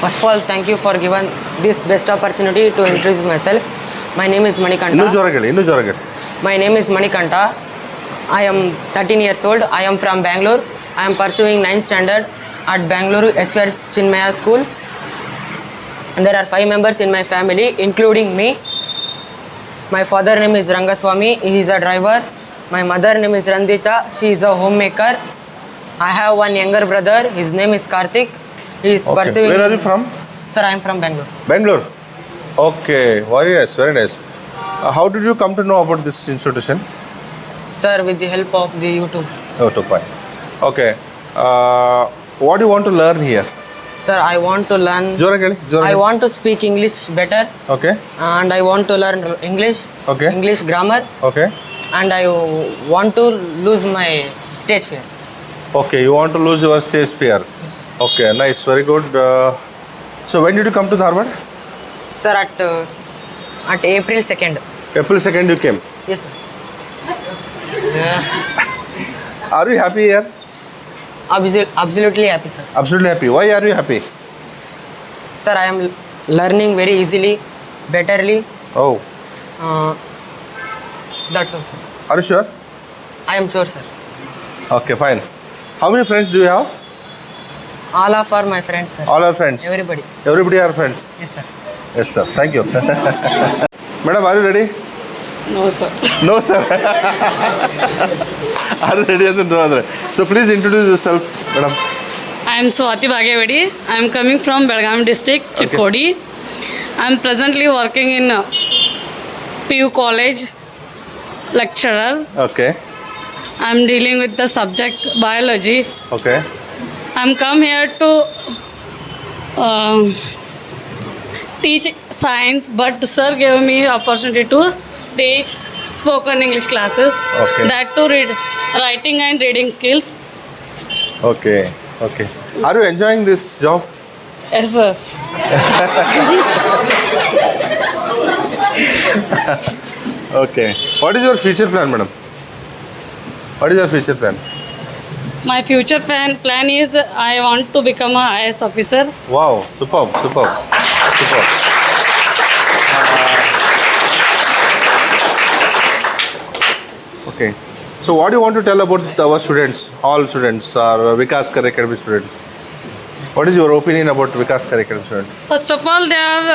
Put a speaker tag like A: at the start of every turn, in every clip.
A: First of all, thank you for giving this best opportunity to introduce myself. My name is
B: ಇನ್ನೂ
A: Manikanta.
B: ಜೋರಾಗಿ
A: My name is Manikanta. I am 13 years old. I am from Bangalore. I am pursuing 9th standard at Bangalore SVR Chinmaya School. There are 5 members in my family, including me. My father name is Rangaswamy. He is a driver. My mother name is Randita. She is a homemaker. I have one younger brother. His name is Karthik. He is
B: Okay.
A: pursuing.
B: Where are you from?
A: Sir, I am from Bangalore.
B: Bangalore. Okay, very nice, very nice. How did you come to know about this institution?
A: Sir, with the help of the YouTube.
B: Oh, to point. Okay. What do you want to learn here?
A: Sir, I want to learn.
B: ಜೋರಾಗಿ
A: I want to speak English better,
B: Okay,
A: and I want to learn English.
B: Okay.
A: English grammar,
B: okay.
A: and I want to lose my stage fear.
B: Okay, you want to lose your stage fear.
A: Yes, sir.
B: Okay, nice, very good. So when did you come to Dharwad?
A: Sir, at April 2nd.
B: April 2nd you came.
A: Yes, sir.
B: Are you happy here?
A: Absolutely happy, sir.
B: Absolutely happy. Why are you happy?
A: Sir, I am learning very easily, betterly.
B: Oh,
A: That's all, sir.
B: are you sure?
A: I am sure, sir.
B: Okay, fine. How many friends do you have?
A: All of are my friends, sir.
B: All are friends.
A: Everybody.
B: Everybody are friends.
A: Yes, sir.
B: Yes, sir. Thank you. Madam, are you ready?
A: No, sir.
B: No, sir. Are you ready? So please introduce yourself, madam.
C: I am Swati Bhagavadi. I am coming from Belgaum district, Chikkodi. I am presently working in PU College, lecturer.
B: Okay.
C: I am dealing with the subject biology.
B: Okay.
C: I am come here to teach science, but sir gave me opportunity to teach spoken English classes.
B: Okay.
C: That to read writing and reading skills.
B: Okay. Okay. Are you enjoying this job?
C: Yes, sir.
B: Okay. What is your future plan, madam? What is your future plan?
C: My future plan is I want to become a IAS officer.
B: Wow. Superb. Superb. Superb. Okay. So what do you want to tell about our students, all students, or Vikas Kar Academy students? What is your opinion about Vikas Kar Academy students?
C: First of all, they are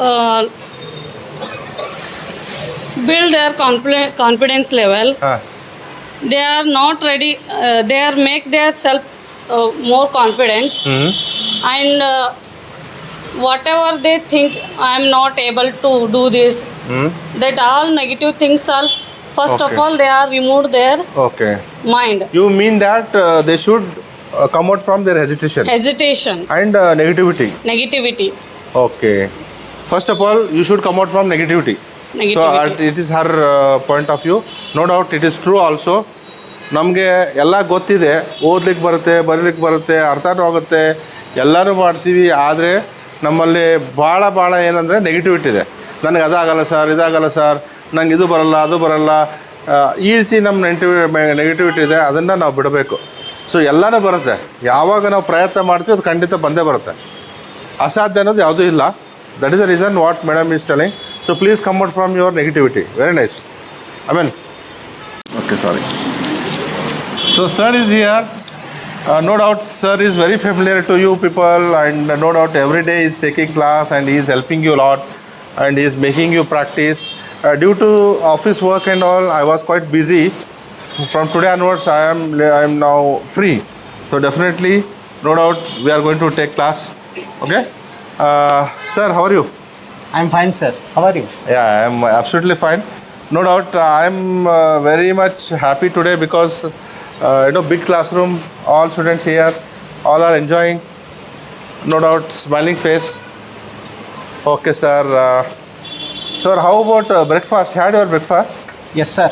C: build their confidence level. They are not ready. They are make their self more confidence, and whatever they think I am not able to do this, that all negative things are. First of
B: Okay.
C: all, they are removed their
B: Okay.
C: mind
B: You mean that they should come out from their hesitation
C: hesitation,
B: and negativity.
C: negativity.
B: Okay. First of all, you should come out from negativity.
C: Negativity.
B: So it is her point of view. No doubt it is true also. ನಮಗೆ ಎಲ್ಲ ಗೊತ್ತಿದೆ, ಓದ್ಲಿಕ್ಕೆ ಬರುತ್ತೆ, ಬರೀಲಿಕ್ಕೆ ಬರುತ್ತೆ, ಅರ್ಥನೂ ಆಗುತ್ತೆ, ಎಲ್ಲನೂ ಮಾಡ್ತೀವಿ. ಆದರೆ ನಮ್ಮಲ್ಲಿ ಭಾಳ ಏನಂದರೆ ನೆಗೆಟಿವಿಟಿ ಇದೆ. ನನಗೆ ಅದಾಗಲ್ಲ ಸರ್, ಇದಾಗಲ್ಲ ಸರ್, ನಂಗೆ ಇದು ಬರಲ್ಲ, ಅದು ಬರಲ್ಲ, ಈ ರೀತಿ ನಮ್ಮ ನೆಗೆಟಿವಿಟಿ ಇದೆ. ಅದನ್ನು ನಾವು ಬಿಡಬೇಕು. ಸೊ ಎಲ್ಲನೂ ಬರುತ್ತೆ. ಯಾವಾಗ ನಾವು ಪ್ರಯತ್ನ ಮಾಡ್ತೀವಿ ಅದು ಖಂಡಿತ ಬಂದೇ ಬರುತ್ತೆ. ಅಸಾಧ್ಯ ಅನ್ನೋದು ಯಾವುದೂ ಇಲ್ಲ. That is the reason what madam is telling. So please come out from your negativity. Very nice. ಆಮೇನ್. Okay, sorry. So sir is here. No doubt sir is very familiar to you people, and no doubt every day he is taking class and he is helping you a lot and he is making you practice. Due to office work and all, I was quite busy. From today onwards I am now free. So definitely, no doubt we are going to take class. Okay. Sir, how are you?
D: I'm fine, sir. How are you?
B: Yeah, I am absolutely fine. No doubt I am very much happy today because big classroom, all students here, all are enjoying. No doubt, smiling face. Okay, sir. Sir, how about breakfast? Had your breakfast?
D: Yes, sir.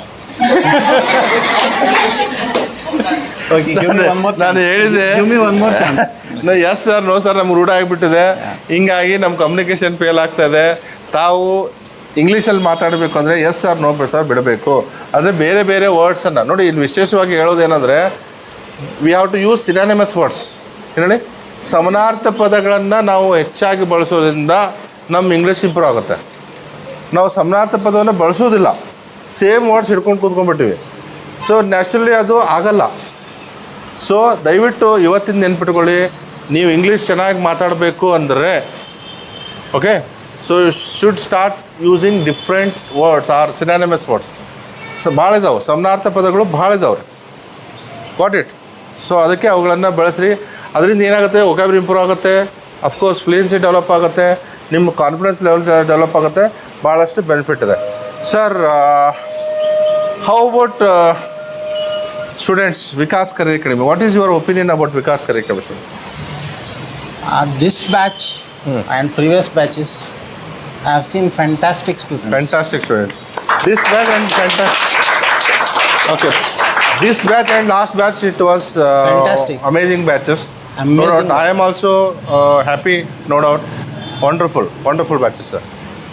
D: Okay, give me one more chance.
B: ನಾನು ಹೇಳಿದೆ.
D: Give me one more chance.
B: Yes sir, no sir, ನಮ್ಗೆ ರೂಢ ಆಗಿಬಿಟ್ಟಿದೆ. ಹಿಂಗಾಗಿ ನಮ್ಮ communication fail ಆಗ್ತಾಯಿದೆ. ತಾವು ಇಂಗ್ಲೀಷಲ್ಲಿ ಮಾತಾಡಬೇಕು ಅಂದರೆ ಎಸ್ ಸರ್, ನೋ ಸರ್ ಬಿಡಬೇಕು. ಅಂದರೆ ಬೇರೆ ವರ್ಡ್ಸನ್ನು ನೋಡಿ. ಇಲ್ಲಿ ವಿಶೇಷವಾಗಿ ಹೇಳೋದೇನೆಂದರೆ we have to use synonymous words. ಏನು ಹೇಳಿ? ಸಮಾನಾರ್ಥ ಪದಗಳನ್ನು ನಾವು ಹೆಚ್ಚಾಗಿ ಬಳಸೋದ್ರಿಂದ ನಮ್ಮ ಇಂಗ್ಲೀಷ್ ಇಂಪ್ರೂವ್ ಆಗುತ್ತೆ. ನಾವು ಸಮಾನಾರ್ಥ ಪದವನ್ನು ಬಳಸೋದಿಲ್ಲ, ಸೇಮ್ ವರ್ಡ್ಸ್ ಹಿಡ್ಕೊಂಡು ಕೂತ್ಕೊಂಡ್ಬಿಟ್ಟಿವಿ. ಸೊ ನ್ಯಾಚುರಲಿ ಅದು ಆಗಲ್ಲ. ಸೊ ದಯವಿಟ್ಟು ಇವತ್ತಿನ ನೆನ್ಪಿಟ್ಕೊಳ್ಳಿ, ನೀವು ಇಂಗ್ಲೀಷ್ ಚೆನ್ನಾಗಿ ಮಾತಾಡಬೇಕು ಅಂದರೆ okay, so you should start using different words or synonymous words. So ಭಾಳ ಇದಾವೆ, ಸಮಾನಾರ್ಥ ಪದಗಳು ಭಾಳ ಇದಾವೆ. What it. ಸೊ ಅದಕ್ಕೆ ಅವುಗಳನ್ನು ಬಳಸ್ರಿ. ಅದರಿಂದ ಏನಾಗುತ್ತೆ, ವೊಕ್ಯಾಬ್ಯುಲರಿ ಇಂಪ್ರೂವ್ ಆಗುತ್ತೆ, ಅಫ್ಕೋರ್ಸ್ ಫ್ಲೂಯೆನ್ಸಿ ಡೆವಲಪ್ ಆಗುತ್ತೆ, ನಿಮ್ಮ ಕಾನ್ಫಿಡೆನ್ಸ್ ಲೆವೆಲ್ ಡೆವಲಪ್ ಆಗುತ್ತೆ, ಭಾಳಷ್ಟು ಬೆನಿಫಿಟ್ ಇದೆ. Sir, how about students Vikas career academy? What is your opinion about Vikas career academy?
D: This batch and previous batches, I have seen fantastic students.
B: Fantastic students. This batch and okay. This batch and last batch, it was
D: Fantastic.
B: Amazing batches.
D: Amazing
B: No doubt. I am
D: batches.
B: also happy. No doubt. Wonderful, wonderful batches, sir.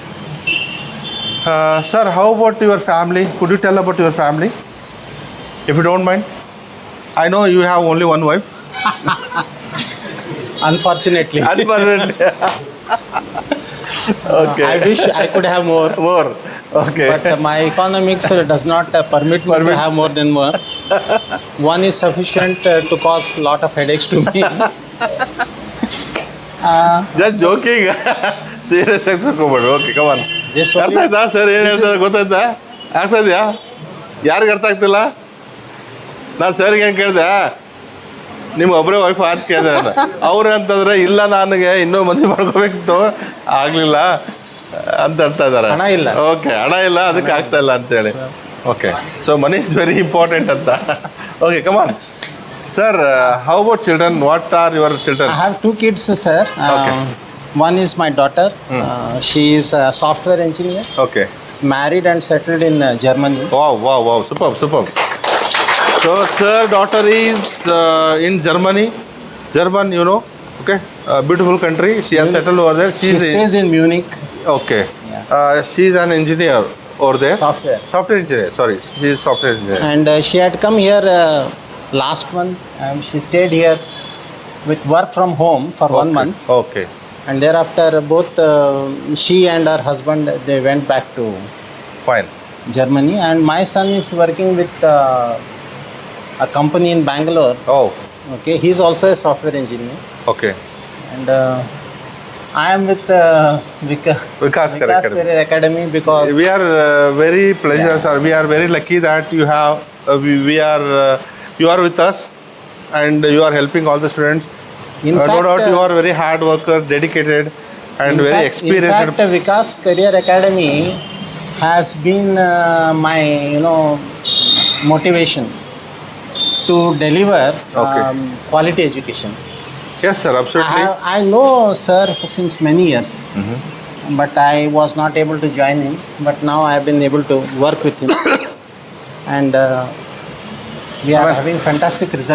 B: Sir, how about your family? Could you tell about your family, if you don't mind? I know you have only one wife.
D: Unfortunately.
B: Unfortunately. Okay.
D: I wish I could have more.
B: More. Okay.
D: But my economics does not permit me to have more than one. One is sufficient to cause lot of headaches to me.
B: Just joking. Serious ಆಗಿ ತಗೋಬೇಡ. Okay, come on.
D: This
B: ಅರ್ಥ
D: only,
B: ಆಯ್ತಾ sir? ಏನು ಹೇಳ್ತಾರೆ ಗೊತ್ತಾಯ್ತಾ? ಆಗ್ತಾ ಇದೆಯಾ? ಯಾರಿಗೆ ಅರ್ಥ ಆಗ್ತಿಲ್ಲ? ನಾನು ಸರ್ಗೆ ಏನು ಕೇಳಿದೆ, ನಿಮ್ಮ ಒಬ್ಬರೇ ವೈಫ್ ಅಂತ ಕೇಳಿದೆ ನಾನು. ಅವ್ರು ಅಂತಂದರೆ ಇಲ್ಲ, ನನಗೆ ಇನ್ನೂ ಮದುವೆ ಮಾಡ್ಕೋಬೇಕಿತ್ತು, ಆಗಲಿಲ್ಲ ಅಂತ ಹೇಳ್ತಾ ಇದ್ದಾರೆ.
D: ಹಣ ಇಲ್ಲ.
B: ಓಕೆ, ಹಣ ಇಲ್ಲ, ಅದಕ್ಕೆ ಆಗ್ತಾ ಇಲ್ಲ ಅಂತೇಳಿ. Okay, so money is very important ಅಂತ. Okay, come on. Sir, how about children? What are your children?
D: I have two kids, sir.
B: Okay.
D: One is my daughter. She is a software engineer,
B: okay.
D: married and settled in Germany.
B: Wow, superb. So, sir, daughter is in Germany. German, you know, okay, beautiful country. She has settled over there.
D: She stays in Munich.
B: Okay.
D: Yeah.
B: She's an engineer over there.
D: Software
B: Engineer. Sorry, she is software engineer.
D: And she had come here last month, and she stayed here with work from home for 1 month.
B: Okay.
D: And thereafter, both she and her husband, they went back to
B: Fine.
D: Germany. And my son is working with a company in Bangalore.
B: Oh,
D: Okay, he's also a software engineer.
B: okay.
D: And I am with
B: Vikas
D: Career Academy because
B: We are very pleasure, sir. We are very lucky that you have you are with us, and you are helping all the students.
D: In
B: No
D: fact,
B: doubt, you are very hard worker, dedicated, and very experienced.
D: In fact, Vikas Career Academy has been my motivation to deliver
B: Okay.
D: quality education.
B: Yes, sir. Absolutely.
D: I know sir since many years, but I was not able to join him. But now I have been able to work with him, and we are
B: Amen.
D: having fantastic results.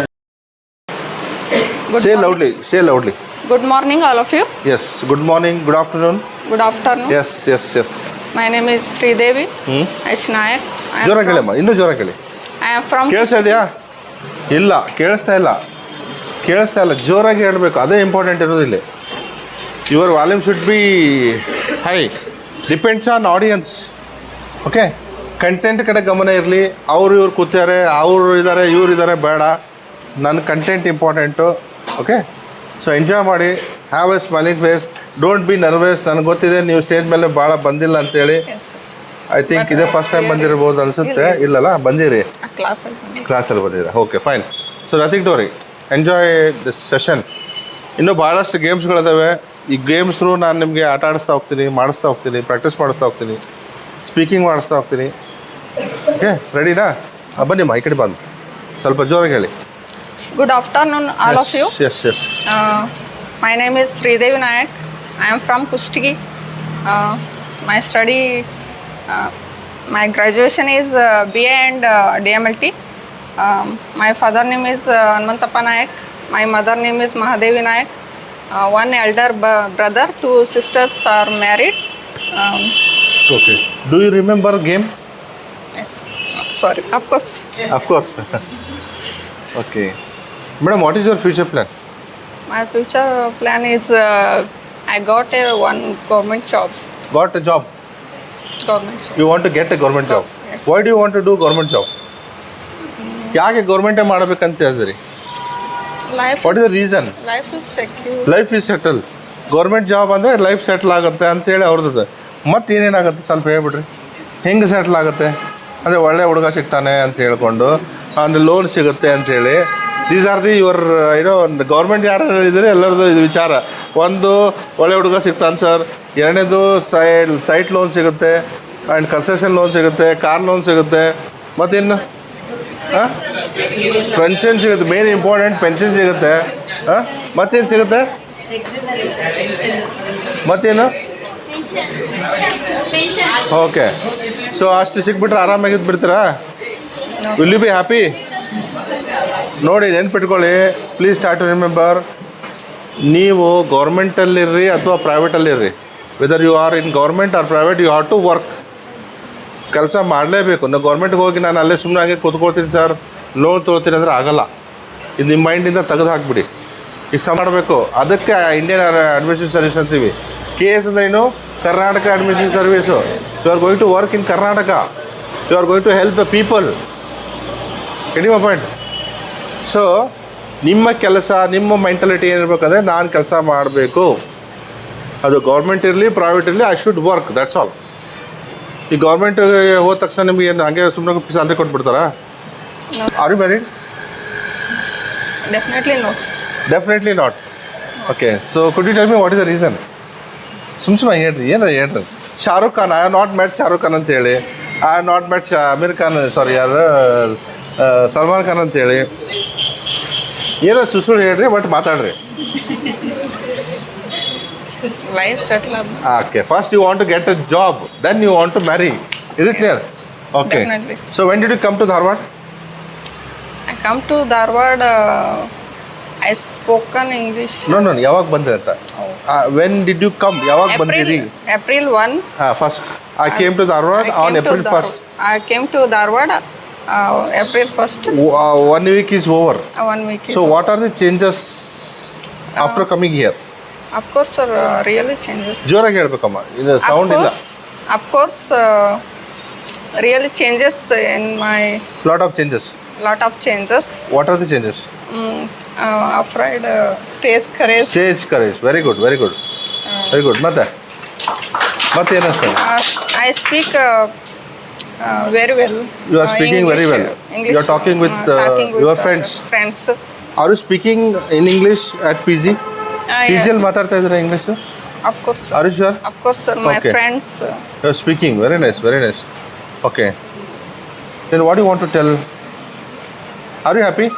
B: Say loudly. Say loudly.
E: Good morning, all of you.
B: Yes. Good morning. Good afternoon.
E: Good afternoon.
B: Yes.
E: My name is Sridevi Ashnayak.
B: ಜೋರ ಕೇಳಮ್ಮ, ಇನ್ನೂ ಜೋರ ಕೇಳಿ.
E: I am from.
B: ಕೇಳಿಸ್ತಾ ಇದೆಯಾ? ಇಲ್ಲ, ಕೇಳಿಸ್ತಾ ಇಲ್ಲ. ಜೋರಾಗಿ ಹೇಳಬೇಕು, ಅದೇ ಇಂಪಾರ್ಟೆಂಟ್ ಇರೋದಿಲ್ಲ. Your volume should be high. Depends on audience. Okay, content ಕಡೆ ಗಮನ ಇರಲಿ. ಇವ್ರು ಕೂತಾರೆ, ಅವರು ಇದ್ದಾರೆ, ಇವ್ರು ಇದ್ದಾರೆ, ಬೇಡ. ನನ್ನ content important. Okay, so enjoy ಮಾಡಿ. Have a smiling face. Don't be nervous. ನನಗೆ ಗೊತ್ತಿದೆ ನೀವು ಸ್ಟೇಜ್ ಮೇಲೆ ಭಾಳ ಬಂದಿಲ್ಲ ಅಂತೇಳಿ.
E: Yes, sir.
B: ಐ ಥಿಂಕ್ ಇದೇ ಫಸ್ಟ್ ಟೈಮ್ ಬಂದಿರ್ಬೋದು ಅನಿಸುತ್ತೆ. ಇಲ್ಲಲ್ಲ, ಬಂದಿರಿ.
E: Class.
B: ಕ್ಲಾಸಲ್ಲಿ ಬಂದಿದ್ದೀರಾ? Okay, fine. So nothing to worry, enjoy this session. ಇನ್ನೂ ಭಾಳಷ್ಟು ಗೇಮ್ಸ್ಗಳಿದ್ದಾವೆ. ಈ ಗೇಮ್ಸ್ ಥ್ರೂ ನಾನು ನಿಮಗೆ ಆಟ ಆಡಿಸ್ತಾ ಹೋಗ್ತೀನಿ, ಪ್ರಾಕ್ಟೀಸ್ ಮಾಡಿಸ್ತಾ ಹೋಗ್ತೀನಿ, ಸ್ಪೀಕಿಂಗ್ ಮಾಡಿಸ್ತಾ ಹೋಗ್ತೀನಿ. ಓಕೆ, ರೆಡಿನಾ? ಬನ್ನಿಮ್ಮ, ಈ ಕಡೆ ಬಂದು ಸ್ವಲ್ಪ ಜೋರಾಗಿ ಹೇಳಿ.
E: Good afternoon, all of you.
B: Yes.
E: My name is Sridevi Nayak. I am from Kustigi. My study, my graduation is BA and DMLT. My father name is Hanmantappa Nayak. My mother name is Mahadevi Nayak. One elder brother, 2 sisters are married.
B: Okay, do you remember game?
E: Yes. Sorry, of course.
B: Of course. Okay madam, what is your future plan?
E: My future plan is I got a one government job.
B: Got a job.
E: Government job.
B: You want to get a government job.
E: Yes.
B: Why do you want to do government job? ಯಾಕೆ ಗೌರ್ಮೆಂಟೇ ಮಾಡಬೇಕಂತ ಹೇಳಿದ್ರಿ?
E: Life
B: what is the reason?
E: life is secure.
B: Life is settle. Government job ಅಂದರೆ life settle ಆಗುತ್ತೆ ಅಂತೇಳಿ ಅವ್ರದ್ದು. ಮತ್ತೆ ಏನೇನಾಗುತ್ತೆ ಸ್ವಲ್ಪ ಹೇಳ್ಬಿಡ್ರಿ. ಹೆಂಗೆ ಸೆಟ್ಲ್ ಆಗುತ್ತೆ ಅಂದರೆ ಒಳ್ಳೆ ಹುಡುಗ ಸಿಗ್ತಾನೆ ಅಂತ ಹೇಳ್ಕೊಂಡು ಅಂದರೆ ಲೋನ್ ಸಿಗುತ್ತೆ ಅಂಥೇಳಿ. ದೀಸ್ ಆರ್ ದಿ ಯುವರ್ ಏನೋ ಗೌರ್ಮೆಂಟ್ ಯಾರು ಹೇಳಿದರೆ ಎಲ್ಲರದು ಇದು ವಿಚಾರ. ಒಂದು ಒಳ್ಳೆ ಹುಡುಗ ಸಿಗ್ತಾನೆ ಸರ್, ಎರಡನೇದು ಸೈಟ್ ಲೋನ್ ಸಿಗುತ್ತೆ ಆ್ಯಂಡ್ ಕನ್ಸೆಷನ್ ಲೋನ್ ಸಿಗುತ್ತೆ, ಕಾರ್ ಲೋನ್ ಸಿಗುತ್ತೆ, ಮತ್ತಿನ್ನು ಹಾಂ ಪೆನ್ಷನ್ ಸಿಗುತ್ತೆ. ಮೇನ್ ಇಂಪಾರ್ಟೆಂಟ್ ಪೆನ್ಷನ್ ಸಿಗುತ್ತೆ. ಹಾಂ ಮತ್ತೇನು ಸಿಗುತ್ತೆ? ಮತ್ತೇನು? ಓಕೆ, ಸೊ ಅಷ್ಟು ಸಿಕ್ಬಿಟ್ರೆ ಆರಾಮಾಗಿದ್ದು ಬಿಡ್ತೀರಾ? Will you be happy? ನೋಡಿ ನೆನ್ಪಿಟ್ಕೊಳ್ಳಿ, ಪ್ಲೀಸ್ ಸ್ಟಾರ್ಟ್ ಟು ರಿಮೆಂಬರ್, ನೀವು ಗೌರ್ಮೆಂಟಲ್ಲಿರ್ರಿ ಅಥವಾ ಪ್ರೈವೇಟಲ್ಲಿರ್ರಿ, whether you are in government or private, you have to work. ಕೆಲಸ ಮಾಡಲೇಬೇಕು. ನಾವು ಗೌರ್ಮೆಂಟ್ಗೆ ಹೋಗಿ ನಾನು ಅಲ್ಲೇ ಸುಮ್ಮನೆ ಆಗಿ ಕೂತ್ಕೊಳ್ತೀನಿ ಸರ್, ಲೋನ್ ತೊಗೊಳ್ತೀನಿ ಅಂದರೆ ಆಗಲ್ಲ. ಇದು ನಿಮ್ಮ ಮೈಂಡಿಂದ ತೆಗೆದು ಹಾಕ್ಬಿಡಿ. ಈಗ ಮಾಡಬೇಕು. ಅದಕ್ಕೆ ಇಂಡಿಯನ್ ಅಡ್ಮಿನಿಸ್ಟ್ರೇಷನ್ ಸರ್ವಿಸ್ ಅಂತೀವಿ. KS ಅಂದರೆ ಏನು? Karnataka administration service. You are going to work in Karnataka, you are going to help the people. Getting my point? So ನಿಮ್ಮ ಕೆಲಸ, ನಿಮ್ಮ ಮೆಂಟಾಲಿಟಿ ಏನಿರ್ಬೇಕಂದ್ರೆ ನಾನು ಕೆಲಸ ಮಾಡಬೇಕು. ಅದು ಗೌರ್ಮೆಂಟ್ ಇರಲಿ ಪ್ರೈವೇಟ್ ಇರಲಿ, I should work, that's all. ಈ ಗೌರ್ಮೆಂಟ್ ಹೋದ ತಕ್ಷಣ ನಿಮಗೆ ಏನು ಹಂಗೆ ಸುಮ್ಮನೆ ಸ್ಯಾಲ್ರಿ ಕೊಟ್ಬಿಡ್ತಾರಾ? Are you married?
E: Definitely no, sir.
B: Definitely not. Okay, so could you tell me what is the reason? ಸುಮ್ಮನೆ ಹೇಳ್ರಿ, ಏನಾರ ಹೇಳ್ರಿ. Shahrukh Khan, I have not met Shahrukh Khan ಅಂತೇಳಿ, I have not met Aamir Khan, sorry ಯಾರು ಸಲ್ಮಾನ್ ಖಾನ್ ಅಂತೇಳಿ ಏನೋ ಸುಸುಳು ಹೇಳ್ರಿ, ಬಟ್ ಮಾತಾಡ್ರಿ.
E: Life settle up.
B: Okay, first you want to get a job, then you want to marry. Is it clear? Okay,
E: Definitely.
B: So when did you come to Dharwad?
E: I come to Dharwad. I spoken English.
B: No ಯಾವಾಗ ಬಂದ್ರಿ ಅಂತ? When did you come? ಯಾವಾಗ ಬಂದಿರಿ?
E: April 1.
B: First I came to Dharwad on April first.
E: I came to Dharwad April 1st.
B: 1 week is over.
E: 1 week.
B: So what are the changes after coming here?
E: Of course, sir, really changes.
B: ಜೋರಾಗಿ ಹೇಳ್ಬೇಕಮ್ಮ, ಇದು sound ಇಲ್ಲ.
E: Of course, really changes in my
B: Lot of changes.
E: lot of changes.
B: What are the changes?
E: Afraid stage courage.
B: Stage courage. Very good, very good. Very good. ಮತ್ತೇನು sir?
E: I speak very well.
B: You are speaking
E: English,
B: very well.
E: English,
B: You are talking with your friends.
E: Friends.
B: Are you speaking in English at PG? PG
E: Yeah.
B: ಅಲ್ಲಿ ಮಾತಾಡ್ತಾ ಇದ್ದೀರಾ English?
E: Of course, sir.
B: Are you sure?
E: Of course, sir. My
B: Okay.
E: friends.
B: You are speaking. Very nice, very nice. Okay. Then what do you want to tell? Are you happy?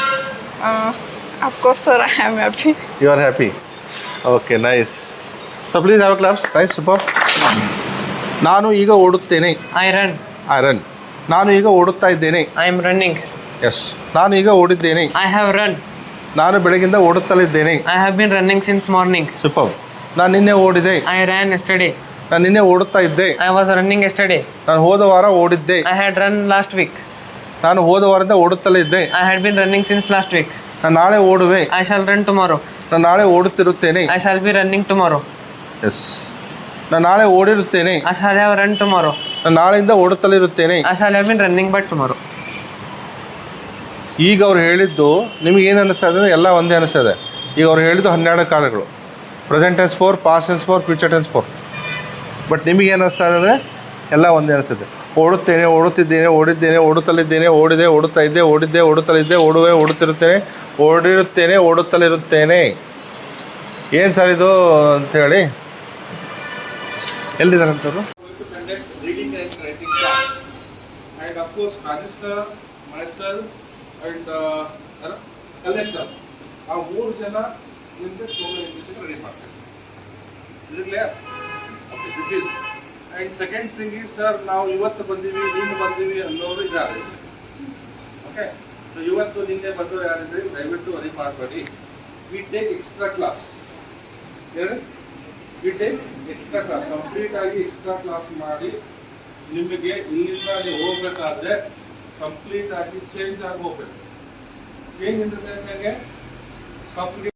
E: Of course, sir. I am happy.
B: You are happy. Okay, nice. So please have a clap. Nice, super. ನಾನು ಈಗ ಓಡುತ್ತೇನೆ.
A: I run.
B: I run. ನಾನು ಈಗ ಓಡುತ್ತಾ ಇದ್ದೇನೆ.
A: I am running.
B: S, ನಾನು ಈಗ ಓಡಿದ್ದೇನೆ.
A: I have run.
B: ನಾನು ಬೆಳಗಿಂದ ಓಡುತ್ತಲಿದ್ದೇನೆ.
A: I have been running since morning.
B: Super. ನಾನು ನಿನ್ನೆ ಓಡಿದೆ.
A: I ran yesterday.
B: ನಾನು ನಿನ್ನೆ ಓಡುತ್ತಾ ಇದ್ದೆ.
A: I was running yesterday.
B: ನಾನು ಹೋದ ವಾರ ಓಡಿದ್ದೆ.
A: I had run last week.
B: ನಾನು ಹೋದ ವಾರದಿಂದ ಓಡುತ್ತಲೇ ಇದ್ದೆ.
A: I had been running since last week.
B: ನಾನು ನಾಳೆ ಓಡುವೆ.
A: I shall run tomorrow.
B: ನಾನು ನಾಳೆ ಓಡುತ್ತಿರುತ್ತೇನೆ.
A: I shall be running tomorrow.
B: Yes, ನಾನು ನಾಳೆ ಓಡಿರುತ್ತೇನೆ.
A: I shall have run tomorrow.
B: ನಾನು ನಾಳೆಯಿಂದ ಓಡುತ್ತಲಿರುತ್ತೇನೆ.
A: I shall have been running by tomorrow.
B: ಈಗ ಅವ್ರು ಹೇಳಿದ್ದು ನಿಮಗೆ ಏನು ಅನ್ನಿಸ್ತಾ ಇದೆ? ಎಲ್ಲ ಒಂದೇ ಅನ್ನಿಸ್ತಾ ಇದೆ. ಈಗ ಅವ್ರು ಹೇಳಿದ್ದು 12 ಕಾಲಗಳು, present tense 4, past tense 4, future tense 4. But ನಿಮಗೆ ಏನು ಅನ್ನಿಸ್ತಾ ಇದೆ ಅಂದರೆ ಎಲ್ಲ ಒಂದೇ ಅನಿಸುತ್ತೆ. ಓಡುತ್ತೇನೆ, ಓಡುತ್ತಿದ್ದೇನೆ, ಓಡಿದ್ದೇನೆ, ಓಡುತ್ತಲಿದ್ದೇನೆ, ಓಡಿದೆ, ಓಡುತ್ತಾ ಇದ್ದೆ, ಓಡಿದ್ದೆ, ಓಡುತ್ತಲಿದ್ದೆ, ಓಡುವೆ, ಓಡುತ್ತಿರುತ್ತೇನೆ, ಓಡಿರುತ್ತೇನೆ, ಓಡುತ್ತಲಿರುತ್ತೇನೆ. ಏನು ಸರ್ ಇದು ಅಂಥೇಳಿ ಎಲ್ಲಿದ್ದಾರಂತವರು? And of course, Rajesh sir, myself, and Kalesh sir, ಆ 3 ಜನ ನಿಮಗೆ ಸ್ಪೋಕನ್ ಇಂಗ್ಲಿಷ್ ರೆಡಿ ಮಾಡ್ತಾರೆ. Is it clear? Okay, this is. And second thing is, sir, ನಾವು ಇವತ್ತು ಬಂದೀವಿ, ನಿನ್ನೆ ಬಂದೀವಿ ಅನ್ನೋರು ಇದ್ದಾರೆ. ಓಕೆ, ಸೊ ಇವತ್ತು ನಿನ್ನೆ ಬಂದವರು ಯಾರಿದ್ರೆ ದಯವಿಟ್ಟು ವರಿ ಮಾಡಬೇಡಿ. We take extra class. ಹೇಳಿ, we take extra class. Complete ಆಗಿ ಎಕ್ಸ್ಟ್ರಾ ಕ್ಲಾಸ್ ಮಾಡಿ ನಿಮಗೆ ಇಲ್ಲಿಂದ ನೀವು ಹೋಗ್ಬೇಕಾದ್ರೆ ಕಂಪ್ಲೀಟ್ ಆಗಿ ಚೇಂಜ್ ಆಗಿ ಹೋಗ್ಬೇಕು. Change in the sense complete